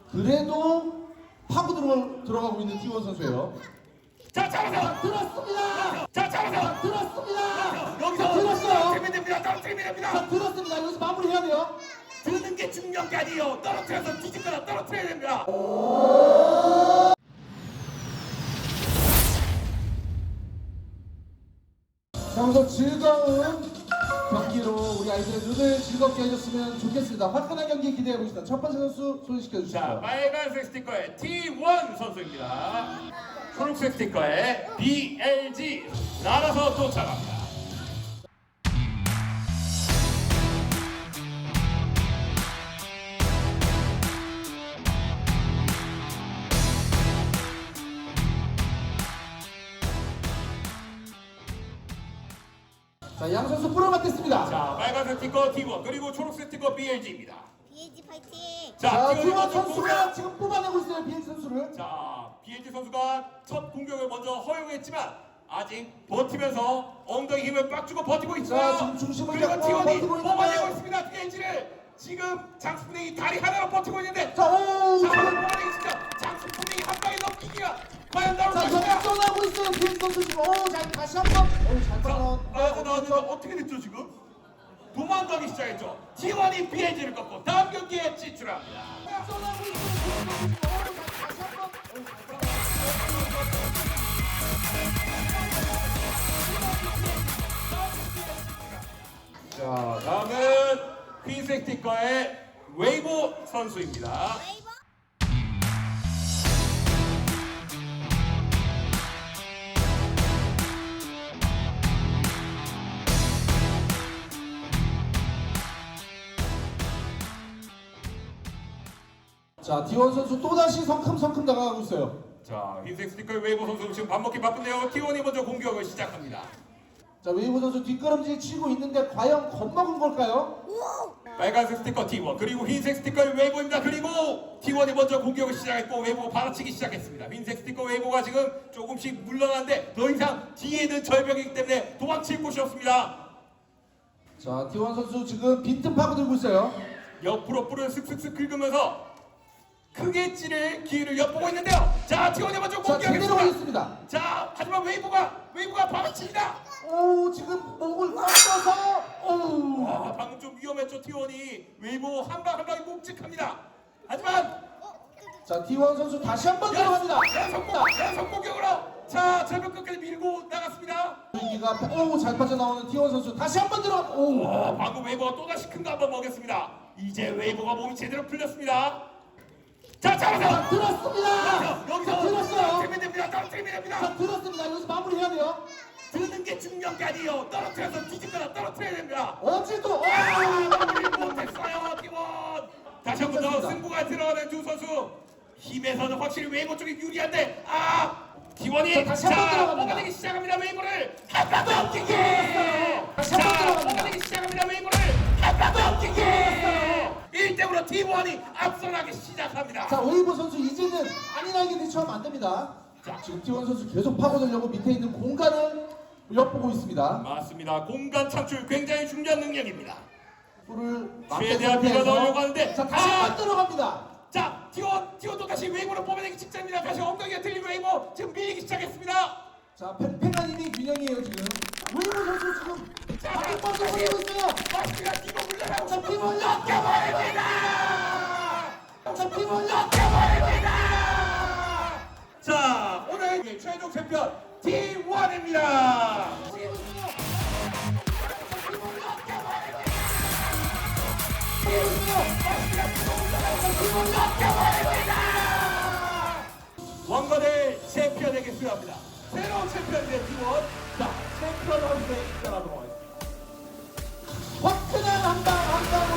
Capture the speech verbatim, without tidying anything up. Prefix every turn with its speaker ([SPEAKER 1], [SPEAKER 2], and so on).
[SPEAKER 1] 그래도 파고 들어, 들어가고 있는 티원 선수예요.
[SPEAKER 2] 자, 잡아서
[SPEAKER 1] 들었습니다.
[SPEAKER 2] 자, 잡아서
[SPEAKER 1] 들었습니다.
[SPEAKER 2] 여기서
[SPEAKER 1] 자, 들었어요.
[SPEAKER 2] 떨어뜨리면 됩니다. 떨어뜨리면 됩니다.
[SPEAKER 1] 자, 들었습니다. 여기서 마무리해야 돼요.
[SPEAKER 2] 드는 게 중요한 게 아니에요. 떨어뜨려서 뒤집거나 떨어뜨려야 됩니다.
[SPEAKER 1] 자, 우선 즐거운 경기로 우리 아이들의 눈을 즐겁게 해줬으면 좋겠습니다. 화끈한 경기 기대해보겠습니다. 첫 번째 선수 소개시켜주시죠.
[SPEAKER 2] 자, 빨간색 스티커의 티원 선수입니다. 초록색 스티커의 비엘지 날아서 도착합니다.
[SPEAKER 1] 자, 양 선수 프로 맞겠습니다.
[SPEAKER 2] 자, 빨간색 스티커 티원 그리고 초록색 스티커 비엘지입니다.
[SPEAKER 3] 비에이지 파이팅!
[SPEAKER 1] 자,
[SPEAKER 2] 자,
[SPEAKER 1] 티원
[SPEAKER 2] 먼저
[SPEAKER 1] 선수가
[SPEAKER 2] 공격.
[SPEAKER 1] 지금 뽑아내고 있어요. 비엘 선수를.
[SPEAKER 2] 자, 비엘지 선수가 첫 공격을 먼저 허용했지만 아직 버티면서 엉덩이 힘을 빡 주고 버티고 있죠.
[SPEAKER 1] 자, 지금 중심을
[SPEAKER 2] 그리고
[SPEAKER 1] 잡고
[SPEAKER 2] 티원이
[SPEAKER 1] 버티고 있는데.
[SPEAKER 2] 뽑아내고 있습니다. 비엘지를 지금 장수풍뎅이 다리 하나로 버티고 있는데
[SPEAKER 1] 자, 오!
[SPEAKER 2] 자,
[SPEAKER 1] 지금
[SPEAKER 2] 뽑아내기 진짜 장수풍뎅이 한 방에 넘기기가 과연 나올
[SPEAKER 1] 자,
[SPEAKER 2] 것인가?
[SPEAKER 1] 역전하고 있어요. 비엘 선수 지금. 오, 자, 다시 한 번. 오, 잘
[SPEAKER 2] 자,
[SPEAKER 1] 빠져.
[SPEAKER 2] 나와서 나왔는데 어떻게 됐죠 지금? 도망가기 시작했죠. 티원이 비엘지를 꺾고 다음 경기에 진출합니다.
[SPEAKER 1] 역전하고 있어요. 비엘 선수 지금. 오, 자, 다시 한 번. 오, 잘 빠져.
[SPEAKER 2] 자, 다음은 흰색 스티커의 웨이보 선수입니다.
[SPEAKER 3] 웨이버!
[SPEAKER 1] 자, 디원 선수 또다시 성큼성큼 다가가고 있어요.
[SPEAKER 2] 자, 흰색 스티커의 웨이보 선수 지금 밥 먹기 바쁜데요. 티원이 먼저 공격을 시작합니다.
[SPEAKER 1] 자, 웨이브 선수 뒷걸음질 치고 있는데 과연 겁먹은 걸까요?
[SPEAKER 2] 빨간색 스티커 티원 그리고 흰색 스티커의 웨이보입니다. 그리고 티원이 먼저 공격을 시작했고 웨이보가 받아치기 시작했습니다. 흰색 스티커 웨이보가 지금 조금씩 물러나는데 더 이상 뒤에 있는 절벽이기 때문에 도망칠 곳이 없습니다.
[SPEAKER 1] 자, 티원 선수 지금 빈틈 파고들고 있어요.
[SPEAKER 2] 옆으로 뿔을 슥슥슥 긁으면서 크게 찌를 기회를 엿보고 있는데요. 자, 티원이 먼저
[SPEAKER 1] 자, 제대로
[SPEAKER 2] 공격하겠습니다.
[SPEAKER 1] 가겠습니다.
[SPEAKER 2] 자, 하지만 웨이보가 웨이보가 받아칩니다.
[SPEAKER 1] 오, 지금 목을 꺾어서 오.
[SPEAKER 2] 와, 방금 좀 위험했죠. 티원이 웨이보 한 방 한 방이 묵직합니다. 하지만
[SPEAKER 1] 자, 디원 선수 다시 한 번 들어갑니다.
[SPEAKER 2] 연속 연속 공격으로 자, 절벽 끝까지 밀고 나갔습니다.
[SPEAKER 1] 경기가 오, 잘 빠져나오는 디원 선수 다시 한 번 들어. 오.
[SPEAKER 2] 와, 방금 웨이보가 또다시 큰 거 한번 먹였습니다. 이제 웨이보가 몸이 제대로 풀렸습니다. 자,
[SPEAKER 1] 자,
[SPEAKER 2] 잡아서
[SPEAKER 1] 들었습니다.
[SPEAKER 2] 여기서
[SPEAKER 1] 자, 들었어요.
[SPEAKER 2] 떨어뜨리면 됩니다. 떨어뜨리면 됩니다.
[SPEAKER 1] 자, 들었습니다. 여기서 마무리해야 돼요.
[SPEAKER 2] 드는 게 중요한 게 아니에요. 떨어뜨려서 뒤집거나 떨어뜨려야 됩니다.
[SPEAKER 1] 어찌도
[SPEAKER 2] 아,
[SPEAKER 1] 오.
[SPEAKER 2] 마무리 못했어요, 팀원. 다시 한 번 더
[SPEAKER 1] 괜찮습니다.
[SPEAKER 2] 승부가 들어가는 두 선수. 힘에서는 확실히 웨이보 쪽이 유리한데, 아, 팀원이
[SPEAKER 1] 자, 다시 한번 들어갑니다.
[SPEAKER 2] 뽑아내기 시작합니다. 웨이보를 한 방 더 뛰기.
[SPEAKER 1] 다시 한번
[SPEAKER 2] 자,
[SPEAKER 1] 들어갑니다.
[SPEAKER 2] 뽑아내기 시작합니다. 웨이보를 한 방 더 뛰기. 일 대 영으로 팀원이 앞서나기 시작합니다.
[SPEAKER 1] 자, 웨이브 선수 이제는 안일하게 대처하면 안 됩니다. 자, 지금 티원 선수 계속 파고들려고 밑에 있는 공간을 엿보고 있습니다.
[SPEAKER 2] 맞습니다. 공간 창출 굉장히 중요한 능력입니다.
[SPEAKER 1] 볼을
[SPEAKER 2] 최대한 밀어 넣으려고 하는데,
[SPEAKER 1] 자, 다시
[SPEAKER 2] 아!
[SPEAKER 1] 한 번 들어갑니다.
[SPEAKER 2] 자, 티원, 티원도 다시 웨이브로 뽑아내기 직전입니다. 다시 엉덩이가 들린 웨이브 지금 밀리기 시작했습니다.
[SPEAKER 1] 자, 팽팽한 균형이에요 지금. 웨이브 선수 지금
[SPEAKER 2] 자,
[SPEAKER 1] 바퀴 뻗어
[SPEAKER 2] 다시
[SPEAKER 1] 버리고 있어요.
[SPEAKER 2] 맞습니다. 이거 물러나고
[SPEAKER 1] 자,
[SPEAKER 2] 싶어.
[SPEAKER 1] 팀원
[SPEAKER 2] 엮여버립니다.
[SPEAKER 1] 자, 팀원
[SPEAKER 2] 엮여버립니다. 자, 오늘 최종 챔피언 티원입니다. 왕관의 챔피언에게 수여합니다. 새로운 챔피언의 팀원. 자, 챔피언 선수에 입장하도록 하겠습니다.
[SPEAKER 1] 화끈한 한방 한방